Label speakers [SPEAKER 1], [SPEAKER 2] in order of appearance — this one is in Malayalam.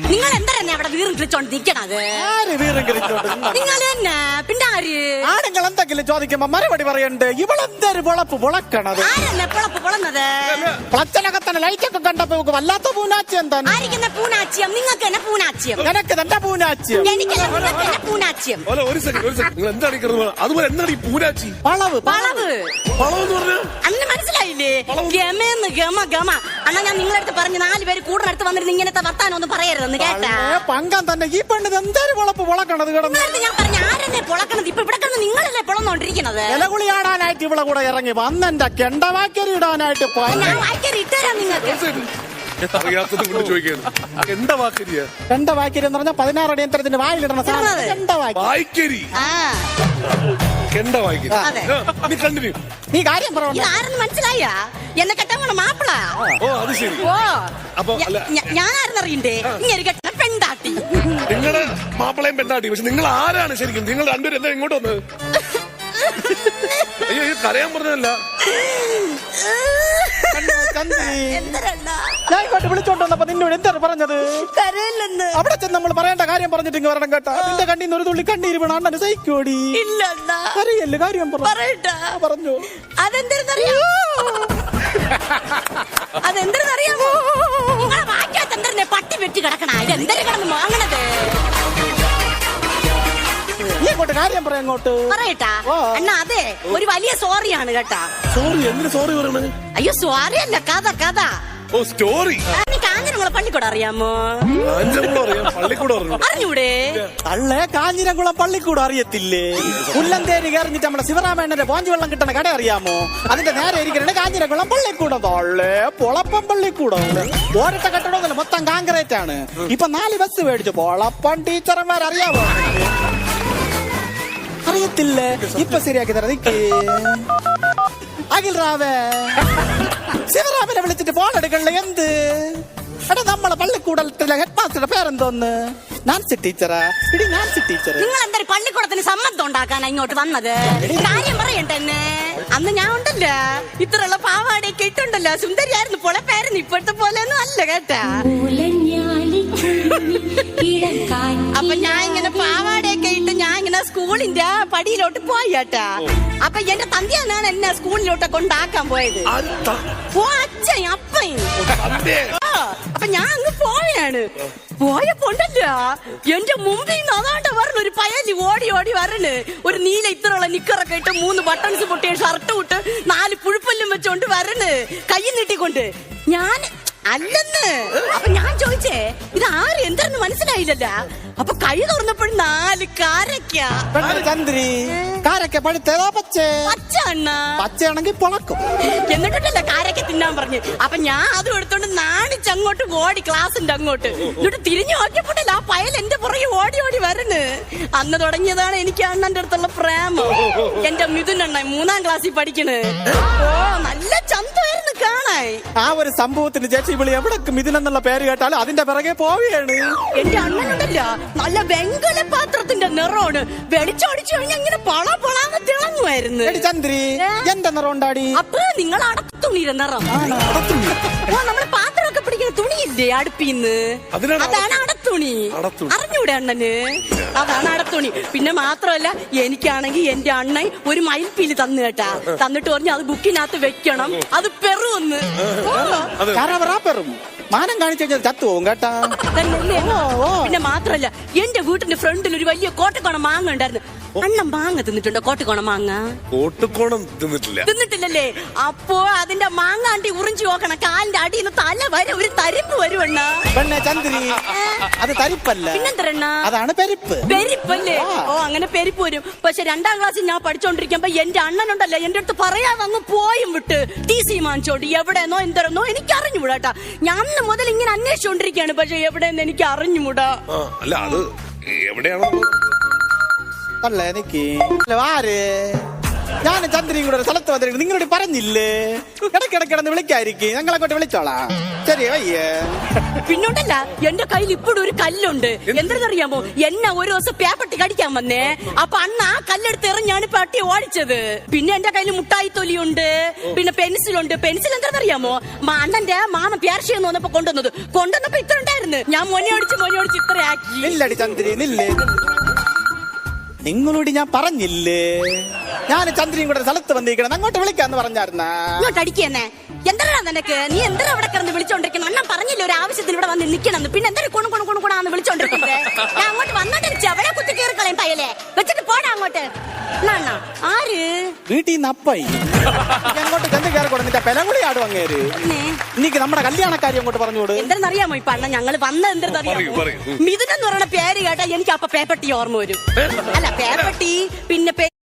[SPEAKER 1] നിങ്ങൾ എന്താ അവിടെ വീറും കിളിച്ചോണ്ട് നിക്കണത്? നിങ്ങൾ തന്നെ പിന്നെ ആര്?
[SPEAKER 2] ആണുങ്ങൾ എന്തെങ്കിലും ചോദിക്കുമ്പോ മറുപടി പറയണ്ട്. ഇവളെന്തൊരു പൊളപ്പ് പൊളക്കണത്?
[SPEAKER 1] ആരെന്നെ പൊളപ്പ് പൊളന്നത്?
[SPEAKER 2] പ്ലച്ചനകത്തന്നെ ലൈറ്റൊക്കെ കണ്ടപ്പോ വല്ലാത്ത പൂനാച്യം തന്നെ.
[SPEAKER 1] ആയിരിക്കുന്ന പൂനാച്യം? നിങ്ങൾക്ക് തന്നെ പൂനാച്യം.
[SPEAKER 2] നിനക്ക് തന്നെ പൂനാച്യം.
[SPEAKER 1] എനിക്കല്ല, നിങ്ങൾക്ക് തന്നെ പൂനാച്യം.
[SPEAKER 3] ഒരു സെക്കൻഡ് നിങ്ങൾ എന്താണ് കിടന്നത്? അതുപോലെ എന്താണ് ഈ പൂനാച്ചി?
[SPEAKER 2] വളവ്
[SPEAKER 1] വളവ്
[SPEAKER 3] വളവെന്ന് പറഞ്ഞാൽ
[SPEAKER 1] അന്ന് മനസ്സിലായില്ലേ? ഗമേന്ന് ഗമ ഗമ. അണ്ണാ ഞാൻ നിങ്ങളടുത്ത് പറഞ്ഞു 4 പേര് കൂടിനടുത്ത് വന്നിരുന്ന് ഇങ്ങനത്തെ വർത്താനം ഒന്നും പറയരുതെന്ന് കേട്ടാ.
[SPEAKER 2] പങ്കം തന്നെ ഈ പെണ്ണിത് എന്തൊരു പൊളപ്പ് പൊളക്കണത് കിടന്നു.
[SPEAKER 1] ഞാൻ പറഞ്ഞ ആരെന്നെ പൊളക്കണത്? ഇപ്പൊ ഇവിടെ കിടന്ന് നിങ്ങളല്ലേ പൊളന്നോണ്ടിരിക്കണത്?
[SPEAKER 2] ഇലകുളിയാടാനായിട്ട് ഇവിടെ കൂടെ ഇറങ്ങി വന്നെന്റെ കെണ്ടവാക്കരി ഇടാനായിട്ട്
[SPEAKER 1] ഞാൻ വായിക്കറി ഇട്ടുതരാം നിങ്ങൾക്ക്.
[SPEAKER 3] അറിയാത്തത് കൊണ്ട് ചോദിക്കുകയാണ്. എന്താ വാക്കരിയ?
[SPEAKER 2] കെണ്ടവാക്കരി എന്ന് പറഞ്ഞാൽ 16 അടി യന്ത്രത്തിന്റെ വായിലിടണ
[SPEAKER 3] വായിക്കരി. കെണ്ട വായിക്കരി. നീ കണ്ടിന്യൂ.
[SPEAKER 2] നീ കാര്യം പറഞ്ഞു.
[SPEAKER 1] ആരെന്ന് മനസ്സിലായ? എന്നെ കെട്ടാൻ പോണ മാപ്പിള.
[SPEAKER 3] ഓ അത് ശരി.
[SPEAKER 1] ഓ
[SPEAKER 3] അപ്പൊ
[SPEAKER 1] ഞാൻ ആരെന്നറിയണ്ടേ? ഇങ്ങനെ കെട്ട പെണ്ടാട്ടി.
[SPEAKER 3] നിങ്ങളുടെ മാപ്പിളയും പെണ്ടാട്ടി. പക്ഷെ നിങ്ങൾ ആരാണ് ശരിക്കും? നിങ്ങൾ രണ്ടുപേരും എന്താ ഇങ്ങോട്ട് വന്നത്? അയ്യോ കരയാൻ പറഞ്ഞതല്ല.
[SPEAKER 2] ഞാൻ ഇങ്ങോട്ട് വിളിച്ചോണ്ട് വന്നപ്പോ നിന്നോട് എന്താണ് പറഞ്ഞത്?
[SPEAKER 1] കരയില്ലെന്ന്.
[SPEAKER 2] അവിടെ ചെന്ന് നമ്മൾ പറയേണ്ട കാര്യം പറഞ്ഞിട്ട് ഇങ്ങ് വരണം കേട്ടാ. നിന്റെ കണ്ണീന്ന് ഒരു തുള്ളി കണ്ണീര് വീണ അണ്ണന് സഹിക്കോടി.
[SPEAKER 1] ഇല്ല
[SPEAKER 2] അറിയല്ലേ കാര്യം പറഞ്ഞു.
[SPEAKER 1] അതെന്തെന്നറിയാമോ? അതെന്തെന്നറിയാമോ? നിങ്ങളെ വാക്കാത്തെന്തന്നെ പട്ടി വെട്ടി കിടക്കണ. ഇതെന്തൊരു കിടന്ന് വാങ്ങണത്?
[SPEAKER 2] നീ അങ്ങോട്ട് കാര്യം പറയാം. അങ്ങോട്ട്
[SPEAKER 1] പറയട്ടാ അണ്ണാ. അതെ ഒരു വലിയ സോറിയാണ് കേട്ടാ.
[SPEAKER 3] സോറി? എന്തിനു സോറി പറയണേ?
[SPEAKER 1] അയ്യോ സോറി അല്ല, കഥ കഥ.
[SPEAKER 3] ഓ സ്റ്റോറി.
[SPEAKER 1] കാഞ്ഞിരംകുളം പള്ളിക്കൂടം അറിയാമോ? അറിഞ്ഞൂടെ?
[SPEAKER 2] അള്ളേ കാഞ്ഞിരംകുളം പള്ളിക്കൂടം അറിയത്തില്ലേ? പുല്ലന്തേരി കയറിഞ്ഞിട്ട് നമ്മുടെ ശിവരാമേണ്ണന്റെ പോഞ്ചു വെള്ളം കിട്ടണ കട അറിയാമോ? അതിന്റെ നേരെ ഇരിക്കണ കാഞ്ഞിരംകുളം പള്ളിക്കൂടം. തൊള്ളേ പൊളപ്പം പള്ളിക്കൂടം. ഓരത്തെ കെട്ടിടമൊന്നുമില്ല, മൊത്തം കാങ്കറേറ്റ് ആണ്. ഇപ്പൊ 4 ബസ് മേടിച്ചു. പൊളപ്പം ടീച്ചർമാർ അറിയാമോ? അറിയത്തില്ലേ? ഇപ്പൊ ശരിയാക്കി തരാം. നിക്ക് അഖിൽ റാവേ ശിവറാമനെ വിളിച്ചിട്ട് ഫോൺ എടുക്കണില്ല. എന്ത് എടാ നമ്മളെ പള്ളിക്കൂടത്തിലെ ഹെഡ് മാസ്റ്ററുടെ പേരെന്തോന്ന്? നാൻസി ടീച്ചറാ. ഇടി നാൻസി ടീച്ചർ.
[SPEAKER 1] നിങ്ങൾ എന്തായാലും പള്ളിക്കൂടത്തിന് സമ്മതം ഉണ്ടാക്കാനാ ഇങ്ങോട്ട് വന്നത്? കാര്യം പറയട്ടെ. അന്ന് ഞാൻ ഉണ്ടല്ലോ ഇത്രയുള്ള പാവാടയൊക്കെ ഇട്ടുണ്ടല്ലോ, സുന്ദരിയായിരുന്നു, പൊളപ്പായിരുന്നു. ഇപ്പോഴത്തെ പോലെ ഒന്നും അല്ല കേട്ടാ. അപ്പൊ ഞാൻ ഇങ്ങനെ പാവാടയൊക്കെ ഇട്ട് ഞാൻ ഇങ്ങനെ സ്കൂളിന്റെ പടിയിലോട്ട് പോയി കേട്ടാ. അപ്പൊ എന്റെ തന്തിയാണ് എന്നെ സ്കൂളിലോട്ട് കൊണ്ടാക്കാൻ പോയത്. അച്ഛൻ അപ്പൻ. അപ്പൊ ഞാൻ അങ്ങ് പോയാണ്. പോയപ്പോണ്ടല്ലോ എന്റെ മുമ്പിൽ നിന്ന് അതാണ്ട് വരണ ഒരു പയലി ഓടി ഓടി വരണ്. ഒരു നീല ഇത്രയുള്ള നിക്കറൊക്കെ ഇട്ട് 3 ബട്ടൺസ് പൊട്ടിയ ഷർട്ട് ഇട്ട് 4 പുഴുപ്പല്ലും വെച്ചോണ്ട് വരണ്, കൈ നീട്ടിക്കൊണ്ട്. ഞാൻ അല്ലെന്ന്. അപ്പൊ ഞാൻ ചോദിച്ചേ ഇത് ആര് എന്താന്ന് മനസ്സിലായില്ലല്ല. അപ്പൊ കൈ തുറന്നപ്പോഴും 4 കാരക്ക.
[SPEAKER 2] ചന്ദ്രി കാരക്ക പഴുത്തേതാ പച്ചേ?
[SPEAKER 1] പച്ച അണ്ണ.
[SPEAKER 2] പച്ചയാണെങ്കിൽ പൊളക്കും.
[SPEAKER 1] എന്നിട്ടല്ല കാരക്ക തിന്നാൻ പറഞ്ഞു. അപ്പൊ ഞാൻ അതും എടുത്തോണ്ട് നാണിച്ചങ്ങോട്ട് ഓടി ക്ലാസിന്റെ അങ്ങോട്ട്. എന്നിട്ട് തിരിഞ്ഞു നോക്കിയപ്പോട്ടല്ല ആ പയൽ എന്റെ പുറകെ ഓടി ഓടി വരണ്. അന്ന് തുടങ്ങിയതാണ് എനിക്ക് അണ്ണന്റെ അടുത്തുള്ള പ്രേമം. എന്റെ മിഥുനണ്ണ 3ാം ക്ലാസ്സിൽ പഠിക്കണ്. ഓ നല്ല ചന്തമായിരുന്നു കാണാൻ.
[SPEAKER 2] ആ ഒരു സംഭവത്തിന് ചേച്ചി വിളി എവിടെ മിഥുനെന്നുള്ള പേര് കേട്ടാലും അതിന്റെ പിറകെ പോവുകയാണ്.
[SPEAKER 1] എന്റെ അണ്ണനുണ്ടല്ല നല്ല വെങ്കല പാത്രത്തിന്റെ നിറമാണ്. വെളിച്ചോടിച്ചു കഴിഞ്ഞാൽ ഇങ്ങനെ പള പളാന്ന് തിളങ്ങുമായിരുന്നു.
[SPEAKER 2] ചന്ദ്രി എന്റെ നിറം ഉണ്ടാടി.
[SPEAKER 1] അപ്പൊ നിങ്ങൾ അടത്തുണിയുടെ നിറം. ഓ നമ്മള് പാത്രമൊക്കെ പിടിക്കുന്ന തുണിയില്ലേ അടുപ്പിന്ന്, അതാണ് അടത്തുണി. അറിഞ്ഞൂടെ അണ്ണന്? അതാണ് അടത്തുണി. പിന്നെ മാത്രമല്ല എനിക്കാണെങ്കിൽ എന്റെ അണ്ണൻ ഒരു മയിൽപ്പീല് തന്നു കേട്ടാ. തന്നിട്ട് പറഞ്ഞു അത് ബുക്കിനകത്ത് വെക്കണം, അത് പെറുവെന്ന്.
[SPEAKER 2] പെറും മാനം കാണിച്ചു കഴിഞ്ഞാൽ ചത്തുപോകും കേട്ടാ.
[SPEAKER 1] പിന്നെ മാത്രല്ല എന്റെ വീട്ടിന്റെ ഫ്രണ്ടിൽ ഒരു വലിയ കോട്ടക്കോണം മാങ്ങ ഉണ്ടായിരുന്നു. അണ്ണൻ മാങ്ങ തിന്നിട്ടുണ്ടോ? കോട്ടക്കോണം മാങ്ങ
[SPEAKER 3] കോട്ടക്കോണം
[SPEAKER 1] തിന്നിട്ടില്ലല്ലേ? അപ്പോ അതിന്റെ മാങ്ങാണ്ടി ഉറിഞ്ചു നോക്കണം. കാലിന്റെ അടിയിൽ നിന്ന് തല വരെ ഒരു തരിപ്പ് വരുവണ്ണ.
[SPEAKER 2] പെണ്ണെ ചന്ദ്രി അത് തരിപ്പല്ല,
[SPEAKER 1] പിന്നെന്തരണ്ണ?
[SPEAKER 2] അതാണ് പെരിപ്പ്.
[SPEAKER 1] പെരിപ്പല്ലേ? ഓ അങ്ങനെ പെരിപ്പ് വരും. പക്ഷെ 2ാം ക്ലാസ്സിൽ ഞാൻ പഠിച്ചോണ്ടിരിക്കുമ്പോ എന്റെ അണ്ണനുണ്ടല്ലോ എന്റെ അടുത്ത് പറയാതെ അങ്ങ് പോയും വിട്ട് TC വാങ്ങിച്ചോണ്ട് എവിടെന്നോ എന്തരെന്നോ എനിക്ക് അറിഞ്ഞുകൂടാട്ടാ. ഞാൻ അന്ന് മുതൽ ഇങ്ങനെ അന്വേഷിച്ചോണ്ടിരിക്കുകയാണ്. പക്ഷെ എവിടെയെന്ന് എനിക്ക് അറിഞ്ഞുകൂടാ.
[SPEAKER 3] അല്ല അത് എവിടെയാണോ
[SPEAKER 2] അല്ല എനിക്ക് ആര് ഞാൻ ചന്ദ്രയും കൂടെ ഒരു സ്ഥലത്ത് വന്നിരിക്കും. നിങ്ങളോട് പറഞ്ഞില്ലേ ഇടയ്ക്കിടയ്ക്കിടന്ന് വിളിക്കായിരിക്കും. ഞങ്ങളെ കൊണ്ട് വിളിച്ചോളാം. ശരി വയ്യേ
[SPEAKER 1] പിന്നോണ്ടല്ല എന്റെ കയ്യിൽ ഇപ്പോഴും ഒരു കല്ലുണ്ട്. എന്തെന്നറിയാമോ, എന്നെ ഒരു ദിവസം പേപ്പട്ടി കടിക്കാൻ വന്നേ. അപ്പൊ അന്ന് ആ കല്ലെടുത്ത് എറിഞ്ഞാണ് പട്ടി ഓടിച്ചത്. പിന്നെ എന്റെ കയ്യിൽ മുട്ടായി തൊലിയുണ്ട്, പിന്നെ പെൻസിലുണ്ട്. പെൻസിൽ എന്താണെന്നറിയാമോ, അണ്ണന്റെ മാമ പേർഷ്യന്ന് വന്നപ്പോ കൊണ്ടുവന്നപ്പോ ഇത്ര ഉണ്ടായിരുന്നു. ഞാൻ മൊനെ ഓടിച്ച് ഇത്ര ആക്കി.
[SPEAKER 2] നില്ലടി ചന്ദ്രി നില്ലേ, നിങ്ങളോട് ഞാൻ പറഞ്ഞില്ലേ ഞാൻ ചന്ദ്രയും കൂടെ സ്ഥലത്ത് വന്നിരിക്കണം, അങ്ങോട്ട് വിളിക്കാന്ന് പറഞ്ഞായിരുന്നാ.
[SPEAKER 1] ഇങ്ങോട്ട് അടിക്കന്നെ. എന്താ നിനക്ക്, നീ എന്താ ഇവിടെ കിടന്ന് വിളിച്ചോണ്ടിരിക്കണം? അണ്ണൻ പറഞ്ഞില്ല ഒരു ആവശ്യത്തിന് ഇവിടെ വന്ന് നിൽക്കണം. പിന്നെ എന്താ കൊണുകൊണുകൊണുകൊണാന്ന് വിളിച്ചോണ്ടിരിക്കുന്നത്? ഞാൻ അങ്ങോട്ട് വന്നോണ്ടിരിച്ചു, അവരെ കുത്തി കയറി കളയും പയ്യലെ. വെച്ചിട്ട് പോടാ അങ്ങോട്ട്. അണ്ണാ ആര്
[SPEAKER 2] വീട്ടിൽ നിന്ന് അപ്പായി അങ്ങോട്ട് ചെന്ന് കയറി കൊടുത്തിട്ട് പെലകുളി ആടും അങ്ങേര്. എനിക്ക് നമ്മുടെ കല്യാണക്കാരി അങ്ങോട്ട് പറഞ്ഞോട്.
[SPEAKER 1] എന്താണെന്നറിയാമോ ഇപ്പൊ അണ്ണ ഞങ്ങള് വന്നത് എന്തെന്നറിയാമോ? മിഥുൻ എന്ന് പറയുന്ന പേര് കേട്ടാ എനിക്ക് അപ്പൊ പേപ്പട്ടി ഓർമ്മ വരും. അല്ല പേപ്പട്ടി പിന്നെ